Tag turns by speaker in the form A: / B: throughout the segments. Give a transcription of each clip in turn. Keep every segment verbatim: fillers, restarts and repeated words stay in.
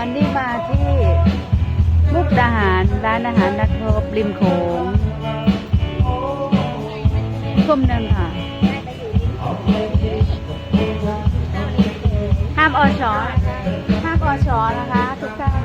A: วันนี้มาที่มุกดาหารร้านอาหารนักรบริมโขงทุ่มหนึ่งค่ะห้ามอชอห้ามอชอนะคะทุกท่าน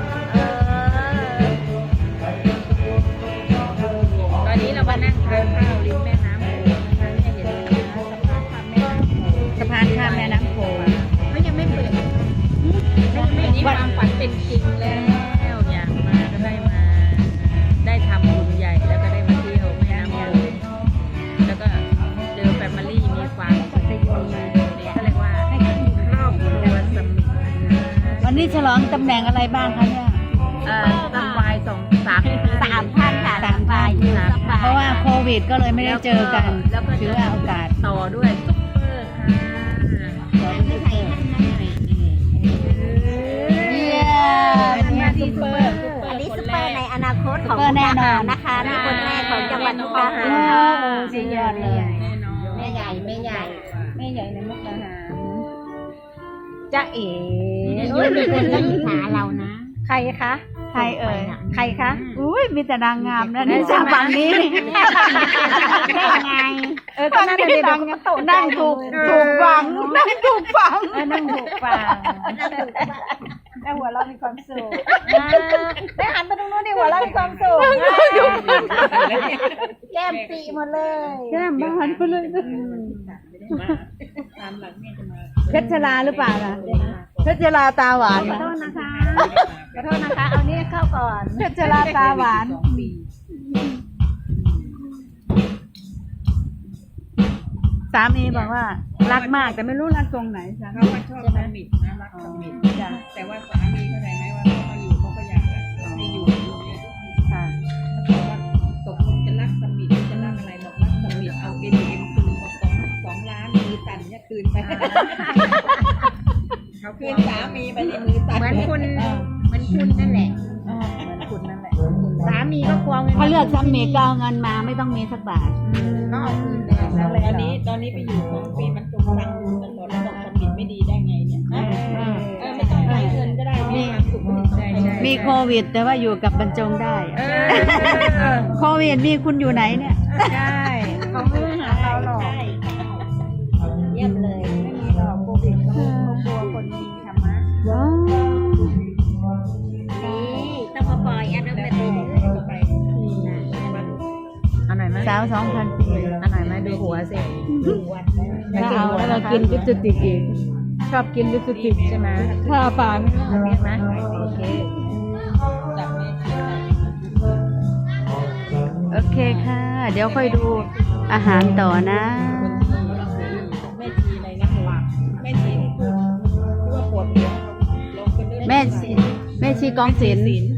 B: ตอนนี้เรามานั่งทานข้าวริมแม่น้ำโขงนะคะเนี่ยเห็นไหมคะสะพานข้ามแม่น้ำโขง
A: สะพานข้ามแม่น้ำโขง
B: เขายังไม่เปิดวันนี้ความฝันเป็นจริงแล้วอยากมาก็ได้มาได้ทำบุญใหญ่แล้วก็ได้มาเที่ยวแม่น้ำโขงแล้วก็เจอแฟมิลี่มีความสุขนี่เขาเรียกว่าครอบครัวสมิท
A: วันนี้ฉลองตำแหน่งอะไรบ้างคะเนี่ย
B: เอ่อซัมไวายสองสามสามท่านค่ะ
A: สามท่านเพราะว่าโควิดก็เลยไม่ได้เจอกันถือว่าโอกาส
B: ต่อด้วยซุปเปอร์ค่ะ
A: เยี่ยมเนี่ยซุปเปอร์
C: อันนี้ซุปเปอร์ในอนาคตของมุกดาหารนะคะนี่คนแรกของจังหวัดมุกดาหาร
A: โอ้สุดยอดเลย
C: แม่ใหญ่แม่ใหญ่
A: แม่ใหญ่ในมุกดาหารจ๊ะเอ๋
C: โอ้ยมีคนก็อิจฉาเรานะ
A: ใครคะใครเอ่ยใครคะอุ้ยมีแต่นางงามนะนี่จากฝั่งนี้
C: ได้ไง
A: เออตอนนั้นเด็กนั่งถูกถูกฝังนั่งถูกฝังนั่งถูกฝังแต่หัวเรามีความสุขได้หันไปตรงนู้นดิหัวเรามีความสุข
C: แก้มปีหมดเลย
A: แก้มบานไปเลยเพชรชลาหรือเปล่าล่ะเพชรชลาตาหวาน
C: ขอโทษนะคะขอโทษนะคะเอานี้เข้าก่อน
A: เพชรชลาตาหวานสามีบอกว่ารักมากแต่ไม่รู้รักตรงไหนจ้ะ
B: เขาก็ชอบสมิทนะรักสมิทแต่ว่าสามีเข้าใจไหมว่าเขาอยู่เขาก็อยากให้อยู่อยู่เนี่ย
A: ค่ะ
B: เขาบอกว่าตกลงจะรักสมิทจะรักอะไรบอกรักสมิทเอาเอ็นเอ็มคืนบอกสองสองล้านมือสั่นเนี่ยคืนไปเขาคืนสามีไปในมือสั่น
C: เหมือนคุณเหมือนคุณนั่นแหละ
A: เหมือนคุณนั่นแหละ
C: สามีก็ควงเงิน
A: เขาเลือกซ้ำเมก็เอาเงินมาไม่ต้องมีสักบาท
C: ก็เอาคืนไป
B: ตอนนี้ตอนนี้ไปอยู่สองปีมันจมตังค์ตลอดแล้วบอกสมิทไม่ดีได้ไงเนี่ยเออไม่ต้องใช้เงินก็ได้มีความสุขไม่ใช่ใช่
A: มีโควิดแต่ว่าอยู่กับบรรจงได้
B: เออ
A: โควิดมีคุณอยู่ไหนเนี่ย
B: ใช่
C: เขาไม่ได้หาเราหรอกเยี่ยมเลยไม่มีหรอกโควิดเขากลัวคนมีธรรมะนี่ต้องมาปล่อยอันนั้นไปเลย
B: ไปอันไหนไหม
A: สาวสองพันปี
B: อันไหนไหมดูหัวสิ
A: ถ้าเอาแล้วเรากินลิปสติกอีกชอบกินลิปสติก
B: ใช่ไหม
A: ถ้าปาก
B: เห็นไหมโอเคจับไม่
A: โอเคค่ะ เดี๋ยวค่อยดูอาหารต่อนะ
B: แม่ชีในนักหลักแม่ชีที่พูดที่ว่าปวดหัวลงกันด้วย
A: แม่ชีแม่ชีกองศิลป์